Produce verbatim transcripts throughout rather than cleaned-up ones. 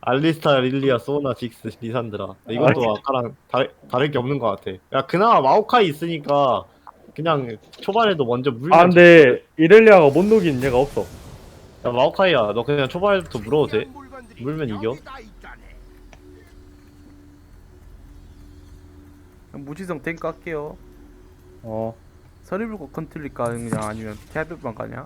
알리스타, 릴리아, 소나, 직스, 리산드라. 아, 이것도 아까랑 다르, 다를 게 없는 것 같아. 야, 그나마 마오카이 있으니까 그냥 초반에도 먼저 아 물면 재밌거든. 근데 이렐리아가 못 녹인 얘가 없어. 야, 마오카이야, 너 그냥 초반에부터 물어도 돼. 물면 이겨. 무지성 탱크 할게요. 어. 서리불고 컨트롤까 그냥 아니면 캐비만 가냐?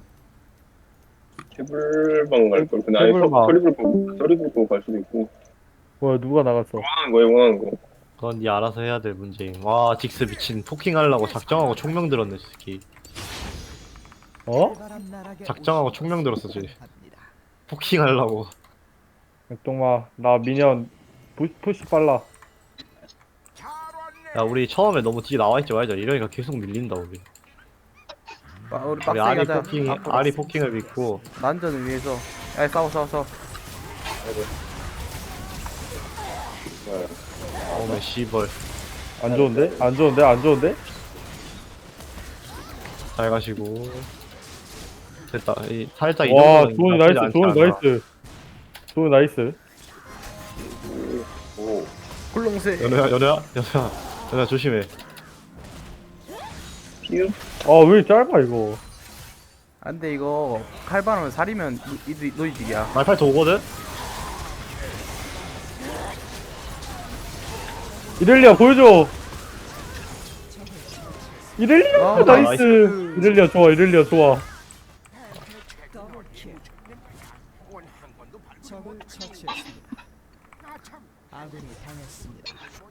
케블방 갈 걸. 근데 아니 케블방. 서리불 보고 서리불 보고 갈 수도 있고. 뭐야 누가 나갔어? 원하는 거야 원하는 거. 그건 네 알아서 해야 될 문제임. 와, 직스 미친 포킹하려고 작정하고 총명 들었네, 새끼. 어? 작정하고 총명 들었어, 쟤. 포킹하려고. 백동마 나 미니언 푸, 푸시 빨라. 야, 우리 처음에 너무 뒤에 나와있지 말자. 이러니까 계속 밀린다, 우리. 아, 우리 우리 빡세게 아리 하자. 포킹, 앞으로. 아리 포킹을 믿고. 난전을 위해서. 야 싸워 싸워 싸워. 어메, 씨벌. 안 좋은데? 안 좋은데? 안 좋은데? 잘 가시고. 됐다. 이, 살짝 이 와 정도는 조은이 나쁘지 나이스 않지 조은이 않아. 나이스 조은이 나이스. 굴렁쇠. 연우야, 연우야, 연우야. 연우야, 조심해. 피읍 아 왜 짧아 이거. 안돼 이거 칼바람을 살이면 이 노이직이야. 말팔 도 오거든? 이렐리아 보여줘. 이렐리아 아, 나이스. 나이스. 이렐리아 좋아 이렐리아 좋아. 적을 처치했습니다. 아군이 당했습니다.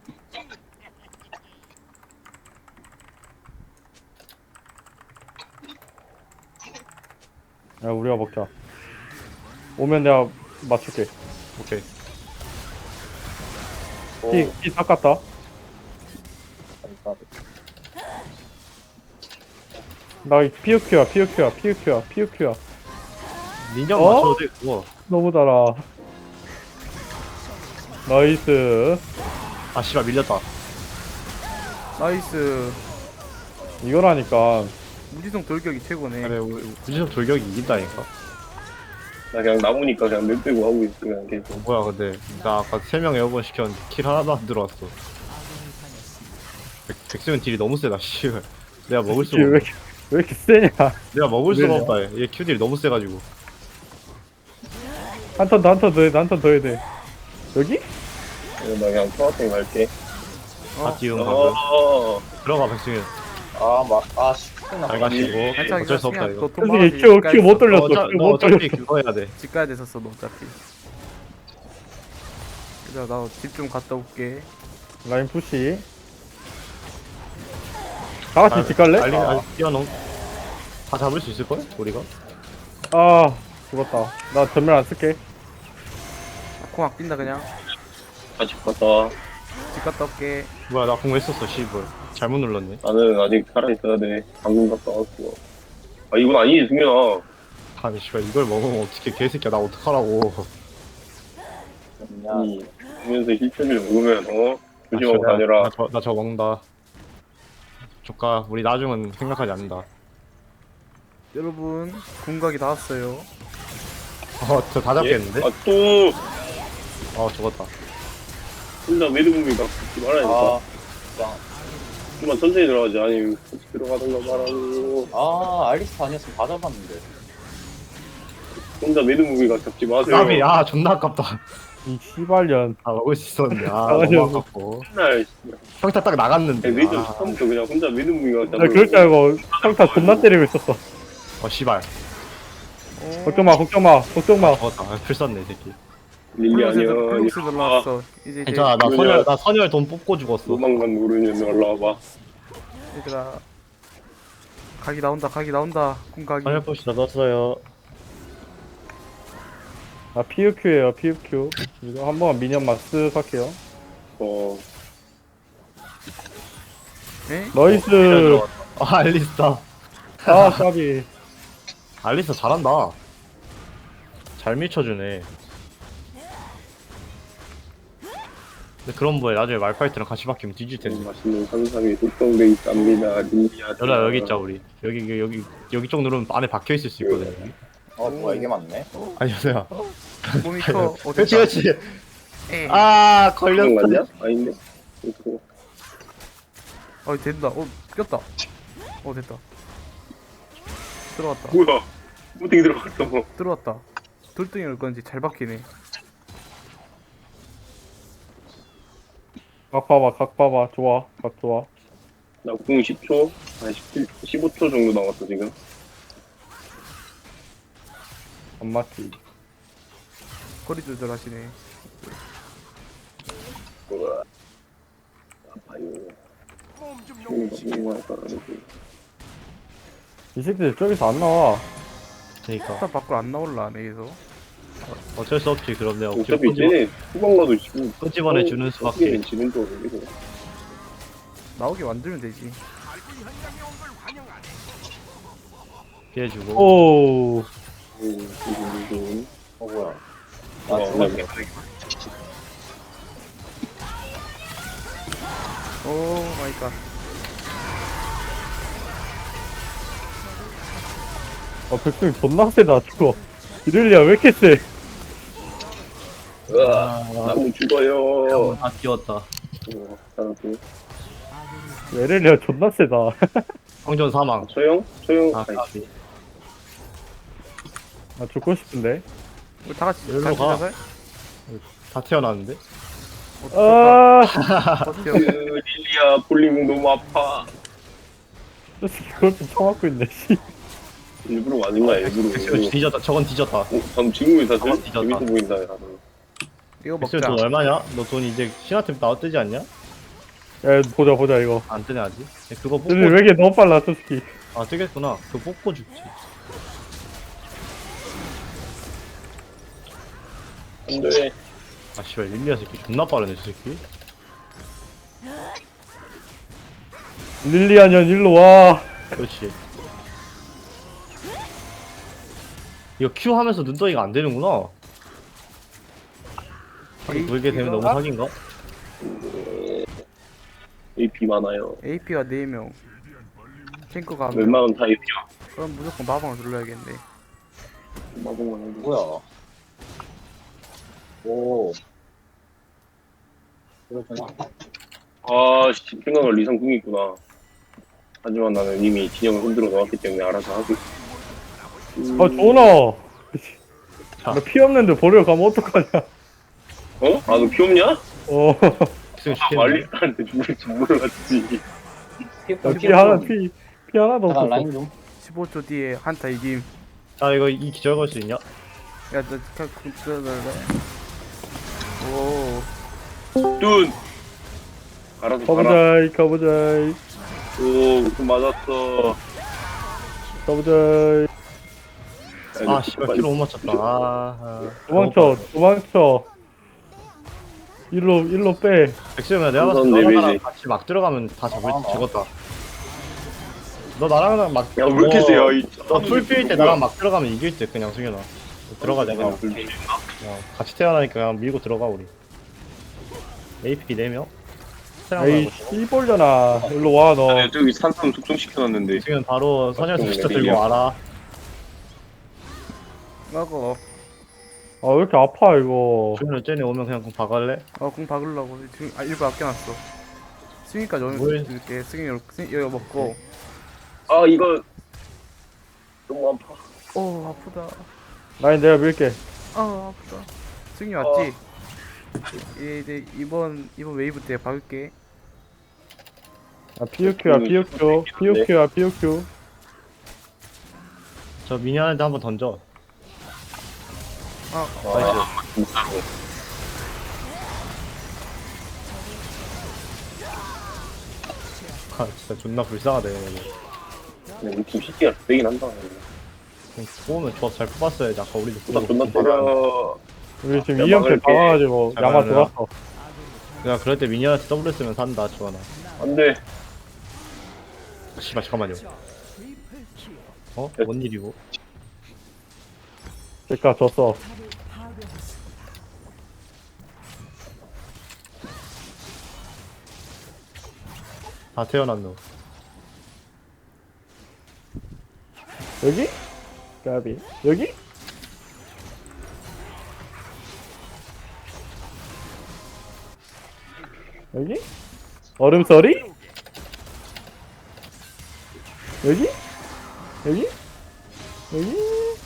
야 우리가 먹자. 오면 내가 맞출게. 오케이. 피, 피 닦았다. 나 피우큐야 피우큐야 피우큐야 피우큐야. 민정 어? 맞춰도 돼, 그거. 너무 달아. 나이스. 아, 씨발, 밀렸다. 나이스. 이거라니까. 무지성 돌격이 최고네. 그래, 우리 구지섭 돌격이 이긴다니까. 나 그냥 남으니까 그냥 몇 빼고 하고 있어 그냥 계속. 어, 뭐야, 근데. 나 아까 세 명 에어건 시켰는데 킬 하나도 안 들어왔어. 아군이 당했습니다. 백, 백수면 딜이 너무 세다, 씨발. 내가 먹을 이게 수가 왜 없어. 이렇게, 왜 이렇게 세냐. 내가 먹을 수가 왜냐? 없다, 얘. 얘 큐딜이 너무 세가지고. 한 턴 더 한 턴 더 해야 돼 한 턴 더 해야 돼. 여기? 그래서 나 그냥 토마토 갈게. 다 띄운 방금. 어. 들어가, 백승현. 아막아 쉽구나. 잘 가시고. 괜찮아 어쩔 수 없다, 이거. 선생님 큐 큐 못 돌렸어. 어차, 큐 너 못 어차피 돌렸어. 그거 해야 돼. 집 가야 됐었어 너 어차피. 얘들아 나 집 좀 갔다 올게. 라인 푸시. 다 같이 집 갈래? 알리, 알리, 뛰어넘. 다 잡을 수 있을걸? 우리가? 아 죽었다. 나 전멸 안 쓸게. 공 아낀다 그냥. 같이 갔다. 집 갔다 올게. 뭐야, 나 공했었어, 씨발. 잘못 눌렀네. 나는 아직 살아 있어야 돼. 방금 갔다 왔고. 아 이건 아니지 승현아. 아니, 씨발, 이걸 먹으면 어떻게, 개새끼야, 나 어떡하라고. 아니 보면서 힐팩을 먹으면 어 조심하고 나, 다녀라. 나, 저, 나 저거 먹는다. 조카, 우리 나중은 생각하지 않는다. 여러분 궁각이 다 왔어요. 어, 저 다 잡겠는데? 아또 어, 죽었다. 혼자 매드무비가 붙지 말아야겠다. 아 진짜. 좀만 천천히 들어가지. 아니 같이 들어가던가 말하고. 아 알리스타 아니었으면 다 잡았는데. 혼자 매드무비가 잡지 마세요. 까비, 아, 존나 아깝다. 이 씨발년. 아, 먹을 수 있었는데. 아, 아, 너무 맞아. 아깝고. 맨날 평타 딱 나갔는데. 매드 아, 처음부터 그냥 혼자 매드무비가 나 그럴 줄 알고 평타 존나 때리고 있었어. 어, 씨발. 어, 걱정 마 걱정 마 걱정 마. 죽었다. 아, 풀 썼네, 이 새끼. 릴리 플러스 아니야. 플러스 아, 올라왔어. 이제 이제 괜찮아, 나 뭐냐. 선열, 나 선열 돈 뽑고 죽었어. 도망간 모르는 올라와봐. 얘들아 각이 나온다 각이 나온다 궁각이. 선열 포시 넣었어요. 아 피우큐에요 피우큐. 이거 한 번만 미니언만 쓱 할게요. 어 에? 나이스. 아, 알리스타. 아 까비. 알리스타 잘한다. 잘 밀쳐주네. 근데 그런 거에 나중에 말파이트랑 같이 바뀌면 뒤질 텐데. 맛있는 산삼이 숙성돼 있답니다. 릴리아. 연아 여기 있자, 우리. 여기 여기 여기 여기 쪽 누르면 안에 박혀 있을 수 있거든. 여기. 어 뭐야 이게 맞네. 아니, 연아야. 몸이 커. 어, 그렇지 됐다. 그렇지. 에이. 아 그런 걸렸어. 거 아니야? 아닌데? 이거 어, 된다. 어, 꼈다. 어, 됐다. 들어왔다. 뭐야? 무딩 들어갔어. 뭐. 들어왔다. 돌덩이 올 건지 잘 박히네. 각 봐봐, 각 봐봐. 좋아, 각 좋아. 나궁 십 초, 아니 십칠, 십오 초 정도 남았어 지금. 안 맞지. 거리 조절하시네. 뭐야? 아파요. 뭔가 뭔가 이 새끼들 저기서 안 나와. 그러니까 일단 밖으로 안 나올라, 내에서. 어쩔 수 없지. 그럼 내가 억지로 어차피 쟤네 후방 가도 지금 끄집어내 주는 수밖에. 지는 거 이거. 나오게 만들면 되지. 피해주고. 오, 음, 이거 이거. 어 뭐야? 아, 아 그냥 죽었어. 그냥. 오 마이 갓. 아, 백승 존나 세다, 저거. 이럴리야, 왜 이렇게 세? 으아, 아, 나무 죽어요. 다 뛰었다. 어, 나도. 이럴리야 존나 세다. 성전 사망. 소영? 소영? 아, 아이, 까비. 나 죽고 싶은데. 우리 다 같이 여기로 같이 가. 나가요? 다 태어났는데? 어, 좋다. 아, 버텨. 그 릴리아 볼링 너무 아파. 저 새끼 그걸 좀 쳐맞고 있네, 씨. 일부러 맞은 거야 일부러. 백수가 뒤졌다. 저건 뒤졌다. 어, 방금 지금이 사실 아, 뒤졌다. 재밌어 보인다 나도. 이거 백수 먹자. 돈 얼마냐? 너 돈 이제 신화템 나와 뜨지 않냐? 야, 보자, 보자, 이거. 안 뜨네 아직. 그거 뽑고. 근데 왜 이렇게 너무 빨라, 저 새끼. 아 뜨겠구나. 그거 뽑고 죽지. 안돼. 아 씨발 릴리아 새끼 존나 빠르네 저 새끼. 릴리아년 일로 와. 그렇지. 이거 Q 하면서 눈덩이가 안 되는구나. 하긴 돌게 되면 너무 사기인가? 에이피 많아요. 에이피가 네 명. 탱커가 한 명. 웬만하면 다 에이피야. 그럼 무조건 마방을 눌러야겠네. 마법만 해도. 뭐야? 오. 그렇구나. 아, 씨, 생각할 리상 궁이 있구나. 하지만 나는 이미 진영을 흔들어 놓았기 때문에 알아서 하고. 음, 아, 조나. 자. 나 피 없는데 버리러 가면 어떡하냐. 어? 아, 너 피 없냐? 어. 지금 아, 시켰네. 말리스한테 죽을 줄 몰랐지. 나 피 하나, 피, 피 하나도 잠깐 없었어. 라인 좀. 십오 초 뒤에 한타 이김. 자 이거 이 기절 걸 수 있냐? 야, 너 그, 그, 그, 오. 뚠! 알아서 가라. 가보자이, 가보자이, 오, 무슨 맞았어. 가보자이. 아 씨발 킬로 못 맞췄다. 아, 아. 도망쳐, 도망쳐. 일로, 일로 빼. 백수면 내가 봤을 때 우선 너랑 나랑 데미지. 같이 막 들어가면 다 잡을 아, 죽었다. 너 나랑 막. 야, 왜 이렇게 세요? 이- 너 풀필 때 나랑 막 들어가면 이길 듯 그냥 승현아. 들어가자 아, 그냥. 불필. 야, 같이 태어나니까 그냥 밀고 들어가 우리. 에이피 네 명? 에이, 씨벌려나. 일로 와, 너. 아, 저기 산삼 숙성시켜놨는데. 지금 바로 선혈 네, 수시터 네, 들고 네. 와라. 먹어. 아, 왜 이렇게 아파, 이거. 주문을 쟤네 오면 그냥 공 박을래? 어, 공 박으려고. 지금, 아, 일부 아껴놨어. 승희까지 오면 뭘? 줄게. 승희, 승희, 이거 먹고. 아, 이거. 너무 아파. 오, 아프다. 라인 내가 밀게. 아, 아프다. 승희 왔지? 예, 이제 이번, 이번 웨이브 때 박을게. 아, 피오큐야, 피오큐. 피오큐야, 피오큐. 저 미니언한테 한번 던져. 아, 아, 진짜로. 아 진짜 존나 불쌍하다 얘네. 우리 팀 시티가 세긴 한다. 그냥 뽑으면 조합 잘 뽑았어야지. 아까 우리도 나 존나 때려. 우리 지금 야, 이 연패 막을게. 당해가지고 잘 야마 막으려. 돌았어. 그냥 그럴 때 미니언한테 더블 쓰면 산다 주원아. 안 돼. 씨발 잠깐만요. 어? 뭔 일이고? 그니까 졌어. 다 태어났노. 여기? 까비. 여기? 여기? 얼음서리? 여기? 여기? 여기?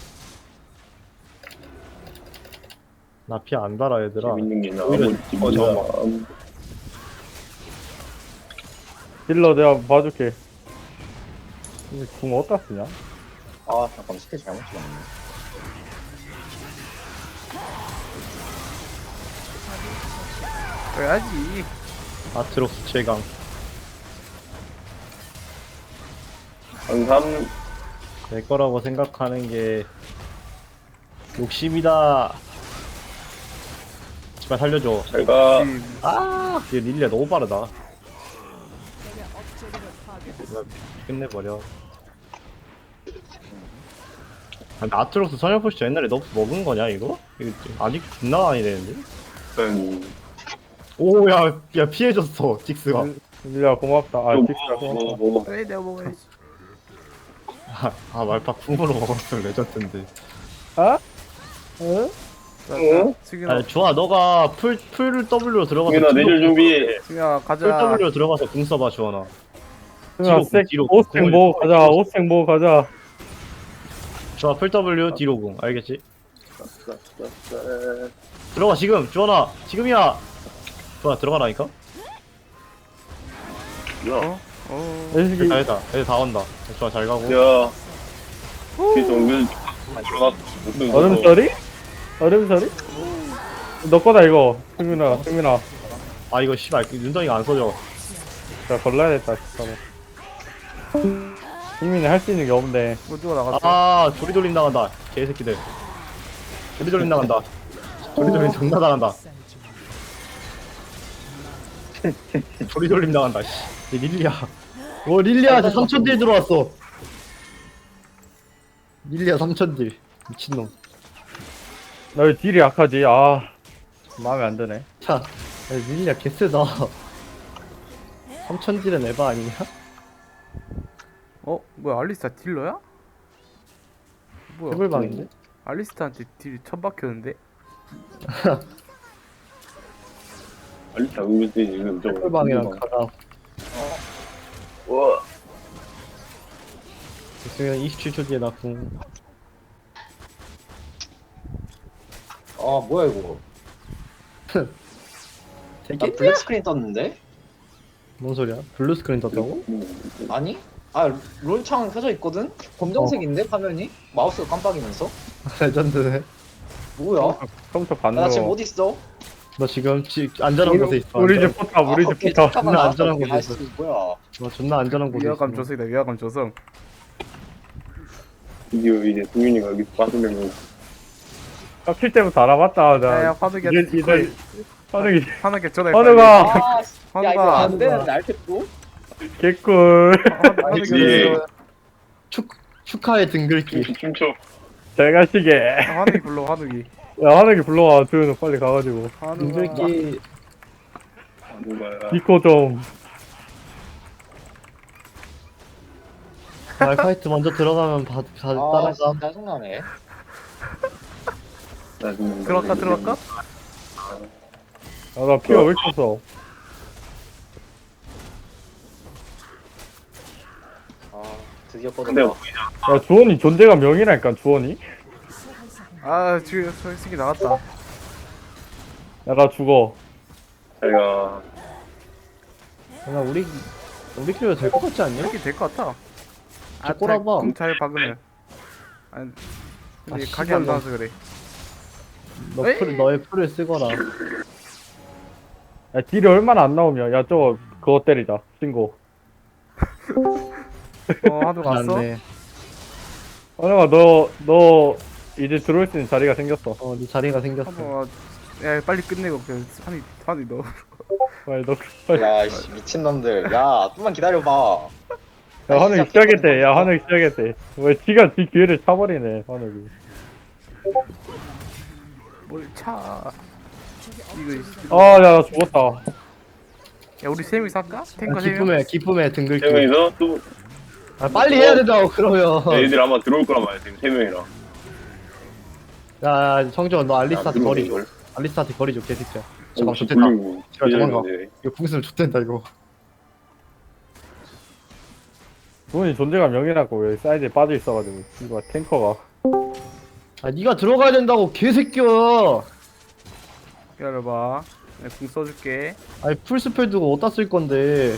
나 피 안 달아 얘들아. 재밌는 게 오히려 나머지 어, 저- 뭐만 딜러 내가 봐줄게. 이궁 어디다 쓰냐? 아 잠깐 스킬 잘못 찍었네. 그래야지. 아트록스 최강. 항상 내 거라고 생각하는 게 욕심이다. 제발 살려줘. 제가 아, 얘 릴리아 너무 빠르다. 이거 끝내버려. 아, 근데 아트록스 선열포시 옛날에 너 먹은 거냐 이거? 이거 아직 존나 많이 되는데? 음, 오야 야 피해줬어 직스가. 릴리아 고맙다. 아, 좀 딕스가 뭐, 고맙다. 뭐, 뭐, 그래 내가 먹어야지. 아, 아 말파 쿵으로 먹었으면 레전드인데. 아? 응? 어? 승윤아, 아니 좋아 너가 풀, 풀 W로 들어가서 승윤아 뒤로 내줄 준비해. 승윤아 풀 가자. W로 들어가서 궁 써봐 주원아. 승아, 뒤로, 색, 뒤로. 오스텍 뭐 가자. 오스텍 뭐 가자. 좋아 풀 W 뒤로 궁 알겠지? 들어가 지금 주원아 지금이야. 좋아 들어가라니까. 야, 어. 애식이 다 했다. 애들 다 온다. 좋아 잘 가고. 야, 그래서 오늘 들어갔어. 얼음서리? 얼음서리? 너 거다 이거. 승민아, 승민아. 아 이거 씨발 윤정이가 안 써져. 자, 걸러야겠다, 진짜로. 승민이 할 수 있는 게 없네. 뭐 누가 나갔어? 아 조리돌림 나간다. 개새끼들. 조리돌림 나간다. 조리돌림 존나 나간다. 조리돌림 나간다. 씨. 얘 릴리아. 오 릴리아 저 삼천 딜 들어왔어. 릴리아 삼천 딜. 미친놈. 나 왜 딜이 약하지? 아, 마음에 안 드네. 자, 야, 릴리아 개쎄다. 삼천 딜은 에바 아니냐? 어? 뭐야 알리스타 딜러야? 뭐야? 해볼방인데? 알리스타한테 딜 천 박혔는데? 알리타 은근 지금 좀. 해볼방이랑 가자. 와, 있으면 이십칠 초 뒤에 나 궁. 아 뭐야 이거? 나 되게? 블랙 스크린 떴는데? 뭔 소리야? 블루 스크린 떴다고? 아니? 아 롤창 켜져 있거든? 검정색인데 화면이? 마우스가 깜빡이면서? 레전드네. 뭐야? 처음부터 나 반대로. 지금 어디 있어? 너 지금 지, 안전한 곳에 있어. 우리 안전. 집 포탑, 우리 집 오케이, 포탑. 잠깐만 존나 나왔다. 안전한 오케이, 곳에 나이스. 뭐야? 너 존나 안전한 곳에 위화감 있어. 조성이다 위화감 조성. 드디어 이제 승윤이가 여기 빠지면 킬 때부터 알아봤다. 야야 나. 화덕이 이제, 이제, 화덕이, 화덕이 전화해. 화덕아! 아, 씨. 야 이거 화덕아. 안 되는데 알겠고? 개꿀. 화덕이 그치. 축, 축하의 등글기. 춤춰. 잘 가시게. 화덕이 불러 화덕이. 야, 화덕이 불러와. 조현우 빨리 가가지고. 화덕아. 등글기. 누가야? 니코 좀. 말파이트 먼저 들어가면 바, 가, 아 따라가. 진짜 짜증나네. 나중에 들어갈까 들어갈까? 아, 나 피가 왜 이렇게 없어. 아 드디어 근데 꺼졌다. 야, 주원이 존재가 명이라니까, 주원이. 아 지금 솔직히 나갔다. 야, 나 죽어. 제가 야, 우리, 우리끼리 될 것 같지 않냐? 이렇게 될 것 같아. 저 꼬라봐. 잘 박으면. 아니 근데 아, 각이 안 씨발, 나와서 그래. 너 에이. 풀, 너의 풀을 쓰거라. 야, 딜이 얼마나 안 나오면. 야, 저거, 그거 때리자. 신고. 어 화덕 왔어? 안돼. 하나가 너, 너, 이제 들어올 수 있는 자리가 생겼어. 어, 네 자리가 생겼어. 화덕아. 야 빨리 끝내고 그냥 한이 한이 넣어. 빨리 너, 빨리. 야 이씨 미친놈들. 야 좀만 기다려봐. 야, 하늘이 시작했대. 야, 하늘이 시작했대. 왜 지가 지 기회를 차버리네, 하늘이. 뭘 차. 이거 있- 아, 야, 나 죽었다. 야 우리 세 명이 살까? 아, 탱커 세 명. 기쁨의, 기쁨의 등글기. 세 명이서 또 아, 빨리 해야 된다고, 그러면. 애들 아마 들어올 거란 말이야 지금 세 명이랑. 야, 성준, 너 알리스타 야, 들어오네, 버리고. 이걸. 알리스타한테 거리 줘 개새끼야. 잠깐 혹시 좋댔다. 불리고 씨발, 도망가. 기다리는데. 이거 궁수는 좋댄다 이거. 돈이 존재감 영이라고 여기 사이드에 빠져 있어가지고 이거 탱커가. 아 니가 들어가야 된다고 개새끼야. 기다려봐. 내가 궁 써줄게. 아니 풀스펠 두고 어디다 쓸 건데.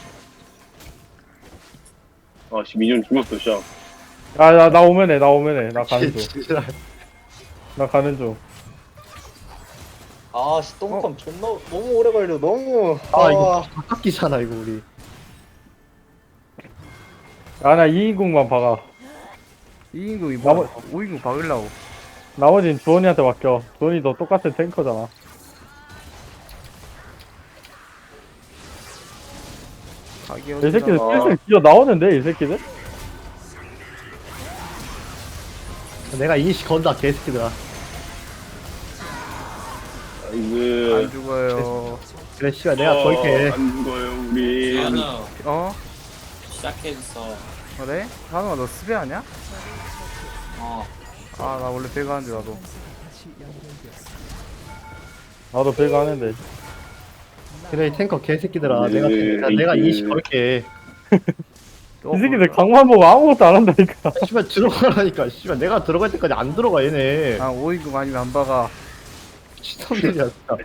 아씨 미니언 죽었어 씨. 야나 나 오면 해나 오면 해나 가는 중. 지랄. 나 가는 중. 아씨 똥컴 존나 너무 오래 걸려 너무. 아 이거 다 깎이잖아 이거 우리. 아나 이인궁만 박아. 이인궁이 나머- 뭐 오인궁 박으려고. 나머진 주원이한테 맡겨. 주원이 너 똑같은 탱커잖아. 가기 이 새끼들 아. 슬슬 기어 나오는데 이 새끼들? 내가 이니시 건다 개새끼들아. 아이고 안 죽어요. 그래 씨발 내가 걸게. 안 죽어요 우리. 한우 어? 시작했어. 그래? 한우가 너 스베 아냐? 어. 아 나 원래 배가 하는데 나도. 다시 연결되었습니다. 나도 배가 하는데. 그래 이 탱커 개새끼들아. 내가 네, 내가, 내가 이게- 이니시 걸게. 또 이 새끼들 뭐- 강만 보고 아무것도 안 한다니까. 씨발 들어가라니까. 씨발 내가 들어갈 때까지 안 들어가 얘네. 아 오인궁 아니면 안 박아. 시청들이야 진짜.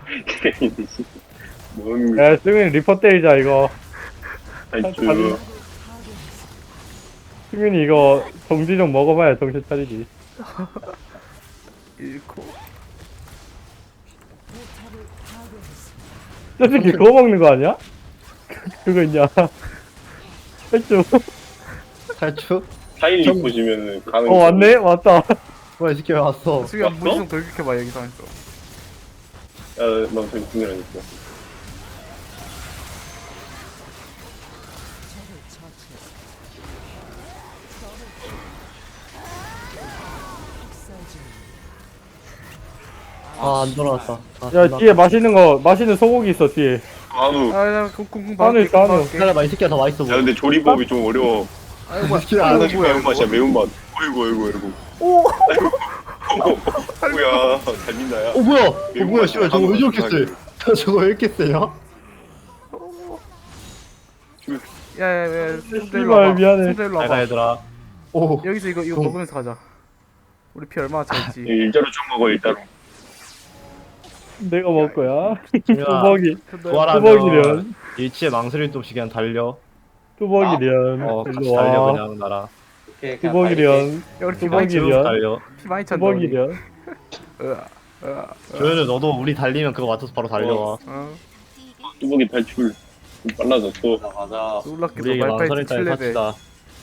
뭔 야 승윤이 리퍼 때리자 이거. 탈주. 승윤이 이거 정지 좀 먹어봐야 정신 차리지. 잃고. 저 새끼 그거 먹는 거 아니야? 그거 있냐? 했죠. 탈출? 타일리 보시면은 가는. 어 왔네? 왔다. 뭐야 이 새끼 왜 왔어? 수기야 무지성 돌격해봐 여기 상에서. 야나 저기 궁이랑 있어. 적을 처치했습니다. 학살 중입니다. 아 안 돌아왔다. 아, 야 존나. 뒤에 맛있는 거 맛있는 소고기 있어 뒤에. 아우. 아나 궁궁 한우 있어, 한우. 기다려봐 이 새끼가 더 맛있어 야 보여. 근데 조리법이 좀 어려워. 아이고 뭐야. 새끼야, 아이고, 하나씩 뭐야, 매운맛이야 이거. 매운맛. 어이구 어이구 어이구. 오. 뭐야 잘 민다야. 어 뭐야? 어 뭐야 씨발 저거 왜 저렇게 세? 저거 왜 이렇게 세냐? 야야야. 씨발, 미안해. 순대일로 잘가 와봐. 얘들아. 오. 여기서 이거 이거 좀- 먹으면서 가자. 우리 피 얼마나 차있지? 일자로 좀 먹어 일자로. 내가 먹을 거야. 지민아 뚜벅이. 부활하면 뚜벅이련. 일치에 망설일 도 없이 그냥 달려. 뚜벅이련. 어 같이 일로 달려 와. 그냥 나랑. 뚜벅이련. 야 우리 피 많이 차. 쭉 뚜벅이련. 달려. 피 많이 찬다. 우리. 뚜벅이련. 으아, 으아, 조현우 너도 우리 달리면 그거 맞춰서 바로 달려와. 어. 뚜벅이 탈출. 좀 빨라졌어. 가자. 놀랍게도 우리에게 말파이트 망설일 따위 칠 레벨. 사치다.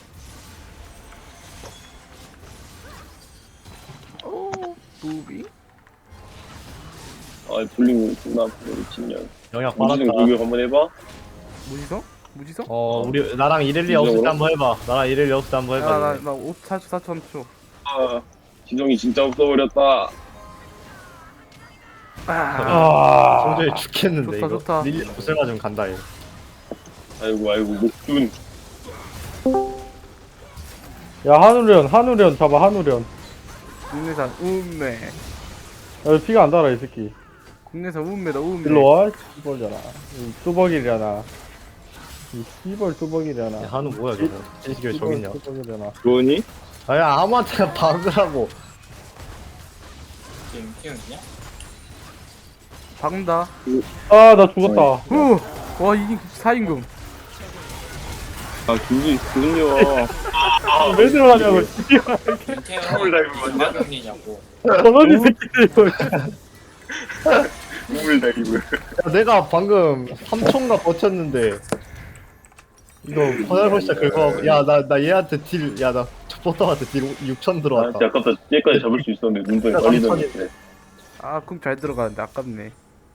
오, 무비? 아 불리고 존나 미친년. 영약 무지성 빨았다. 공격 한번 해봐. 무지성? 무지성? 어 우리 나랑 이렐리 없을 때 한번 해봐. 나랑 이렐리 없을 때 한번 해봐. 야나나 오 사 초 사 초 삼 초. 아 지성이 진짜 없어버렸다. 아. 아. 도저히 죽겠는데 좋다, 이거. 좋다. 릴리 없을 맞으면 간다 이거. 아이고 아이고 목준. 야 한우련 한우련 잡아 한우련. 국내산 우메. 야 피가 안 달아 이 새끼. 국내산 우메다 우메. 일로 와. 씨벌잖아. 이 뚜벅이려나. 이 씨벌 뚜벅이려나. 야, 한우 뭐야 저거? 이 새끼 왜 저기 있냐? 뚜벅이려나. 좋으니? 아야 아무한테나 박으라고. 지금 키우냐? 박는다. 아 나 죽었다. 후. 와 이게 사인금. 아 그게 그군요. 왜 들어가냐고. 김태형이 다이브 맞냐? 마경이냐고. 저놈이 새끼들 이거. 우물 다이브. 야, 내가 방금 삼 초인가 버텼는데 이거 퍼널 진짜 긁어. 야나 나 얘한테 딜. 야나 보통한테 딜 육천 아 들어왔다. 진짜 아깝다. 얘까지 잡을 수 있었는데 눈덩이 야, 걸리던데. 삼천인데. 아 궁 잘 들어가는데 아깝네.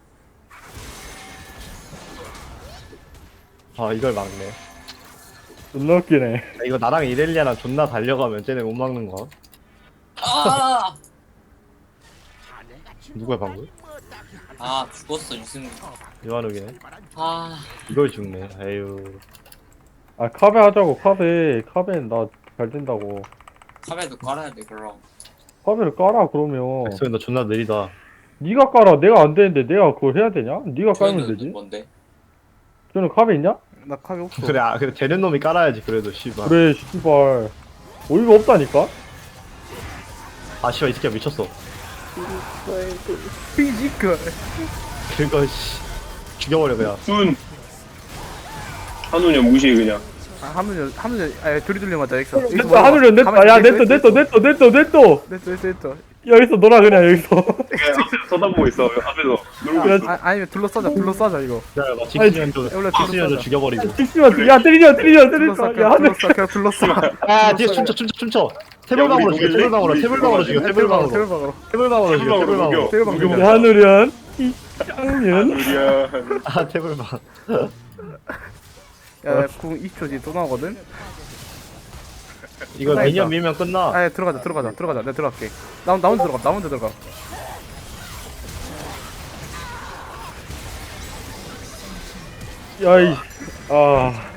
아 이걸 막네. 존나 웃기네. 야, 이거 나랑 이렐리아랑 존나 달려가면 쟤네 못 막는 거. 아! 누구야 방금? 아 죽었어 유승민. 요한욱이네. 아 이걸 죽네. 에휴. 아 카베 하자고 카베. 카베는 나 잘 된다고. 카메도 깔아야 돼 그럼. 카베를 깔아 그러면. 백소연 너 존나 느리다. 네가 깔아. 내가 안 되는데 내가 그걸 해야 되냐? 네가 깔면 저는 되지. 뭔데? 저는 카베 있냐? 나 카비 없어. 그래 아 그래 되는 놈이 깔아야지 그래도 씨발. 그래 씨발. 어이가 없다니까. 아 씨발 이 새끼야 미쳤어. 피지컬. 그거 씨 죽여버려 그냥. 순 한우냐 무시해 그냥. 아, 한문이 한문이 아 둘이 둘리 맞다 엑소. 냈어 하늘은 냈다. 야 냈어 냈어 냈어 냈어 냈어. 냈어 냈어 냈어. 여기서 놀아 그냥 여기서. 그냥 앞에서 쳐다보고 있어. 앞에서 놀고 야, 있어. 아 아니면 둘러싸자 둘러싸자 이거. 야, 나 직수년도 원래 직수년도 둘러싸자. 죽여버리고. 찍지마. 야 때리자 때리자 둘러싸 때리자. 야 그냥 하늘. 둘러싸 그냥 둘러싸. 아 뒤에 춤춰 춤춰 춤춰. 태블방으로 우리 죽여 녹일래? 태블방으로 우리 태블방으로 죽여 태블방 태블방으로. 태블방으로. 태블방으로 죽여 태블방으로 태블방으로. 녹여. 태블방 야 하늘은 이 짱년. 우리야. 아 태블방. 야궁 이십 초 뒤에 또 나오거든. 이거 끝나 미니언 있다. 밀면 끝나. 아 들어가자 들어가자 들어가자 내가 들어갈게. 나, 나 혼자 들어가 나 혼자 들어가. 야이. 아.